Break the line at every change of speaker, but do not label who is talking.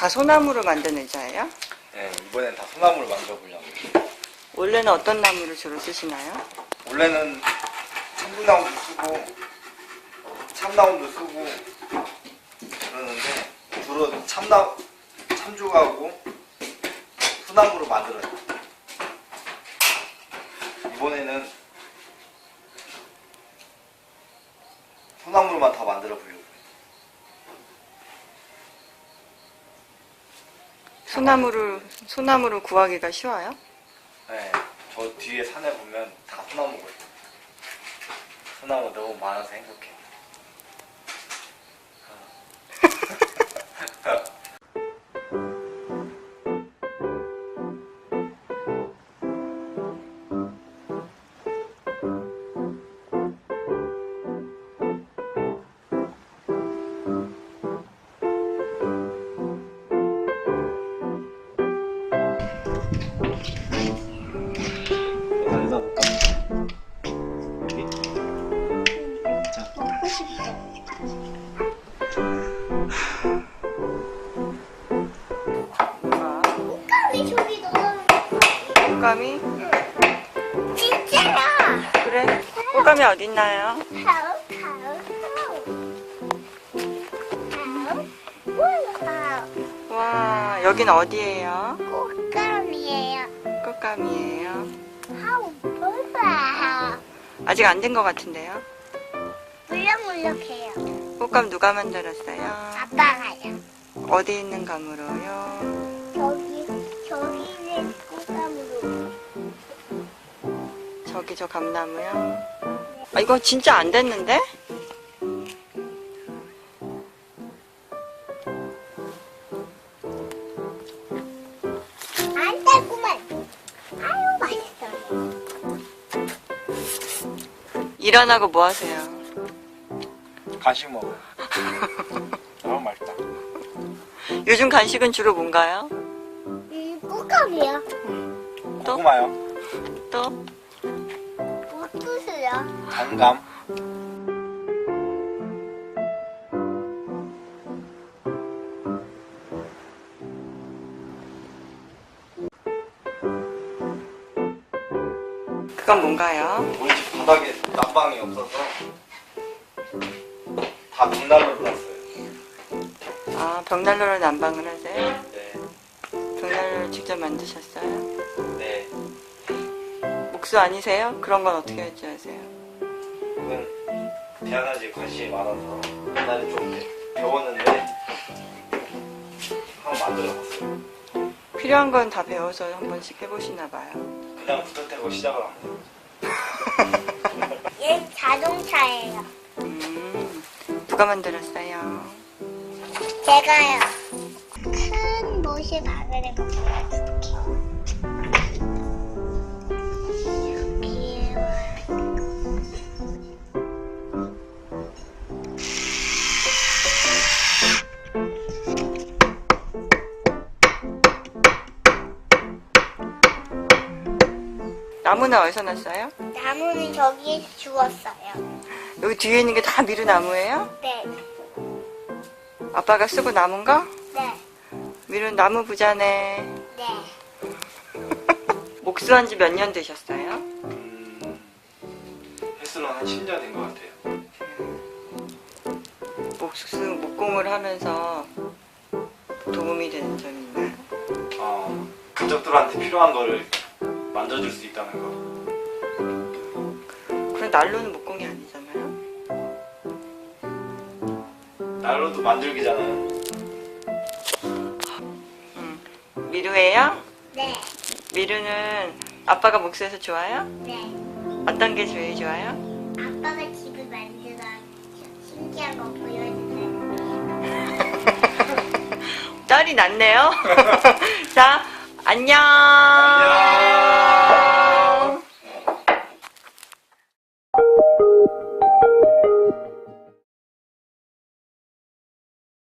다 소나무로 만든 의자예요?
네, 이번엔 다 소나무를 만들어 보려고.
원래는 어떤 나무를 주로 쓰시나요?
원래는 참나무도 쓰고 참나무도 쓰고 그러는데 주로 참조하고 소나무로 만들어요. 이번에는 소나무로만 다 만들어 보려고.
소나무를 구하기가 쉬워요?
네, 저 뒤에 산에 보면 다 소나무거든요. 소나무 너무 많아서 행복해. 여기다 볼까? 여기. 자.
먹고 싶어.
뭐가?
꽃감이 저기 넣어.
꽃감이?
진짜야.
그래? 꽃감이 어딨나요?
가오.
와, 여긴 어디예요?
꽃감이에요.
꽃감이에요.
하우 몰라.
아직 안 된 것 같은데요?
물렁물렁해요.
꽃감 누가 만들었어요?
아빠가요.
어디 있는 감으로요?
저기는 꽃감으로.
저기 저 감나무요? 아, 이거 진짜 안 됐는데?
안 달구만. 아유 맛있어.
일 안 하고 뭐 하세요?
간식 먹어요. 너무 맛있다.
요즘 간식은 주로 뭔가요?
꽃감이요.
또?
고구마요.
또?
옥수수요.
단감.
그건 뭔가요?
우리 집 바닥에 난방이 없어서 다 벽난로를 놨어요.
아, 벽난로로 난방을 하세요?
네.
벽난로를 직접 만드셨어요?
네.
목수 아니세요? 그런 건 어떻게 할 줄 아세요?
그건 대안하지 관심이 많아서 옛날에 좀 배웠는데 한번 만들어봤어요.
필요한 건 다 배워서 한 번씩 해보시나 봐요.
그냥 부터 떼고 시작을 안 해요.
얘 자동차예요.
누가 만들었어요?
제가요. 큰 못이 박으는 거 보여줄게.
나무는 어디서 났어요?
나무는 저기에 주웠어요.
여기 뒤에 있는 게 다 미루나무예요?
네.
아빠가 쓰고 남은 거?
네.
미루 나무 부자네.
네.
목수한 지 몇 년 되셨어요?
횟수는 한 10년 된 것 같아요.
목공을 하면서 도움이 되는 점이 있나요?
가족들한테 필요한 거를 만져줄 수 있다는 거.
그럼 난로는 목공이 아니잖아요?
난로도 만들기잖아요.
미루예요?
네.
미루는 아빠가 목수해서 좋아요?
네.
어떤 게 제일 좋아요?
아빠가 집을 만들어 신기한 거 보여주세요.
딸이 낫네요. 자, 안녕.
안녕.